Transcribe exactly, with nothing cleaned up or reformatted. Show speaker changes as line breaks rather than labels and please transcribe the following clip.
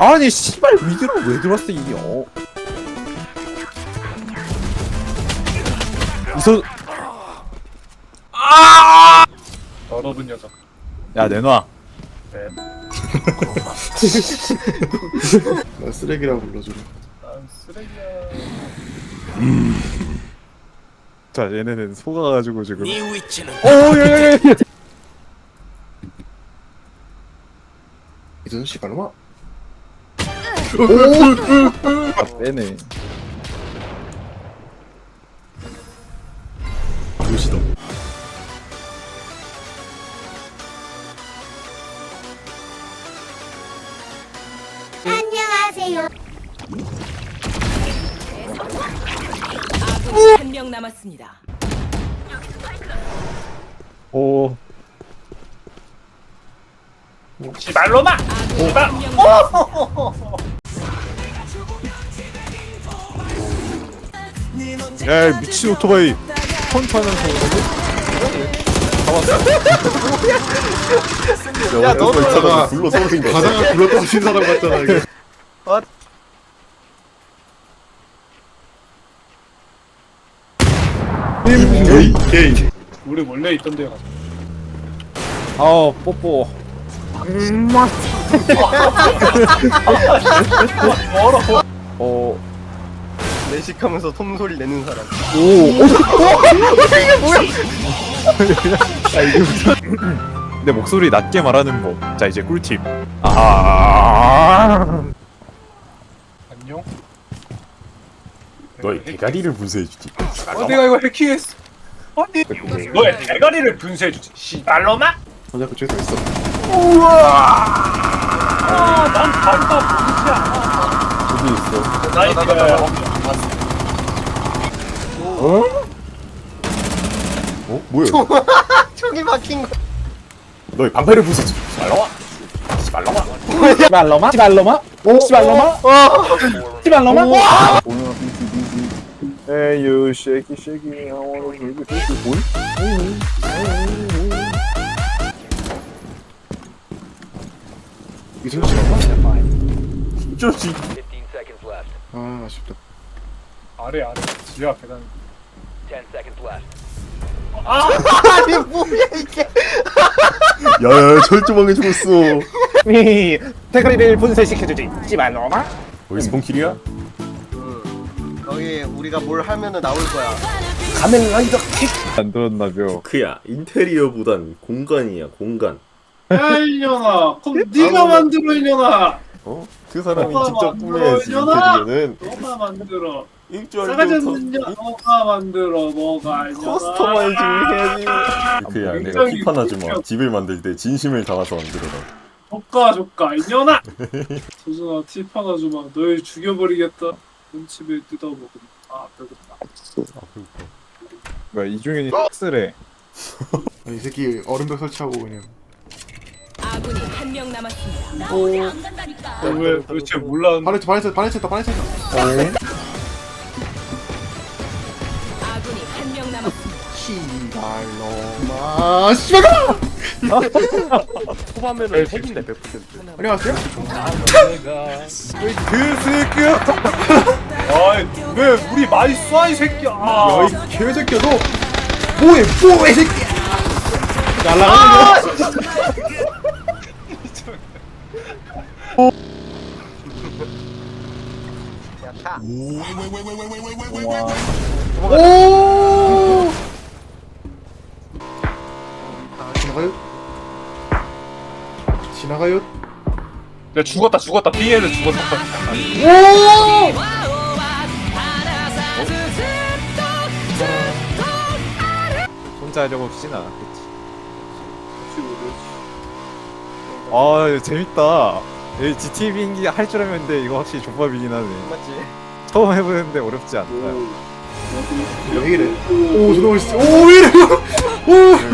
아니 씨발 위드로 왜 들어왔어 이게? 어. 이소. 아!
더러운 녀석.
야 내놔.
네.
나 쓰레기라고 불러주래.
난 쓰레기야.
자 얘네는 속아가지고 지금.
네 위치는
오야야야.
이전 씨발 놈아.
아 빼네.
도시다.
안녕하세요.
아군이 한 명 남았습니다.
오.
씨발로마.
아군이
씨발.
한 명 남았습니다.
야 미친 오토바이. 펀치하면서
야 너도 있잖아.
불러 서울인 거
가다가 불러 떨어진 사람 같잖아 이거. 게이 게이.
우리 원래 있던 데 가자.
아 뽀뽀. 어.
내식하면서 톰소리 내는 사람.
오. 이게 뭐야? 아 이게 무슨? 내 목소리 낮게 말하는 법. 자 이제 꿀팁. 아.
안녕.
너의 대가리를 분쇄해주지.
어, 내가 이거 해킹했어. 아니, 너의 대가리를 분쇄해주지. 씨발로마.
맞아 그쪽에 서 있어.
아, 난 다리가
어디 있어?
보이지 않아. 나이스.
어? 뭐야?
총이 막힌 거.
너의 반팔을 부수지. 말라와. 말라와.
시발로마? 시발로마? 시발로마? 시발로마? Hey you shaky shaky I wanna shake it shake it
이전 씨발.
쪼지.
아 아쉽다.
아래 아래. 지하 계단.
아니 뭐야 이게.
야야 철조망에 죽었어.
미 대가리를 분쇄시켜주지 시발로마?
거기서 본킬이야?
거기 우리가 뭘 하면은 나올 거야.
가면라이더 킥.
안 들었나벼.
그야 인테리어보단 공간이야 공간.
야 이년아. 그럼 네가 만들어 이년아.
어? 그 사람이
너가
직접
만들어,
꾸며야지
이년아.
인테리어는.
너가 만들어.
일주일
싸가지
전부터
없는 년 너가 만들어. 너가 이년아.
커스터마이징을 해야지. 그야 내가
굉장히
팁 하나 주마.
웃겨.
집을 만들 때 진심을 담아서 만들어라.
조까 조까 이년아. 조준아 팁 하나 주마. 널 죽여버리겠다. 눈치를 뜯어먹은. 아 배고프다.
뭐야 이중현이 쓰래.
아, 이 새끼 얼음벽 설치하고 그냥.
아군이 한 명 남았습니다.
어, 왜 도대체 몰랐는데.
반해체 반해체 반해체다 반해체다.
아군이 한 명 남았습니다.
아 씨발.
초반면은 핵인데 백 퍼센트.
안녕하세요.
그 새끼야.
아이 왜 우리 많이 쏴 이 새끼야. 아,
야이 개새끼야 너. 뭐해 뭐해 새끼야. 오. 지나가요? 지나가요?
야 죽었다 죽었다. B에는 죽었다.
혼자 하려고 없진 않았겠지. 아 재밌다. 이 지티비인기 할 줄 알았는데 이거 확실히 족밥이긴 하네.
맞지?
처음 해보는데 어렵지 않다.
왜 이래? 오, 저놈 진짜. 오, 왜 이래? 오.